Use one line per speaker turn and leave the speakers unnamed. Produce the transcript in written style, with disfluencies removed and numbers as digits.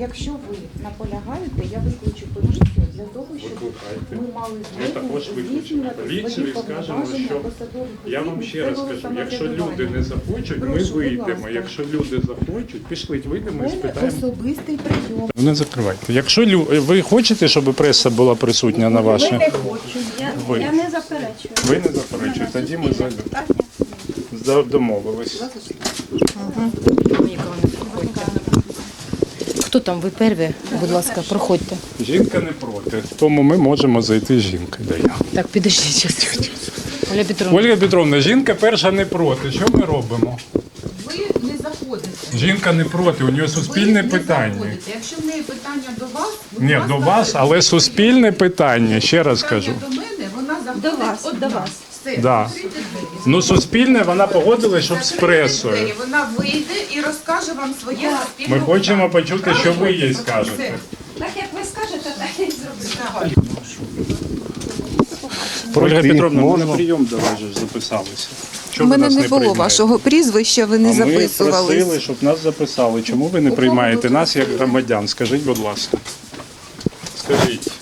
якщо ви наполягаєте, я викличу поліцію для того, щоб ми мали змогу здійснювати
поліцію і скажемо, що я вам ще раз кажу, якщо люди не захочуть, ми вийдемо. Якщо люди захочуть, пішліть, вийдемо і спитаємо.
Особистий прийом.
Не закривайте. Якщо ви хочете, щоб преса була присутня на вашій...
Не хочу.
Я не заперечую.
Ви не заперечуєте, тоді ми домовились.
Хто там? Ви перві? Будь ласка, проходьте.
Жінка не проти, тому ми можемо зайти з жінкою.
Так, підождіть зараз. Оля Петровна.
Ольга Петровна, жінка перша не проти. Що ми робимо?
Ви не заходите.
Жінка не проти, у нього суспільне питання.
Якщо в неї питання до вас,
Ні, до вас, але суспільне питання, ще раз кажу.
до мене, вона заходить
До вас, до вас.
Все,
Да.
відкрийте двері.
Ну, суспільне, вона погодилась, щоб з
Закрийте
пресою.
двері, вона вийде і розкаже вам своє суспільне
Ми хочемо
питання.
почути, що ви їй скажете.
Так як ви скажете, так я й зроблю.
Ольга Петровна, ми на прийом до вас же записалися.
У
Чому ви
мене
нас
не було
приймаєте?
вашого прізвища, ви не
А ми
записувались.
просили, щоб нас записали. Чому ви не приймаєте нас як громадян? Скажіть, будь ласка. Скажіть.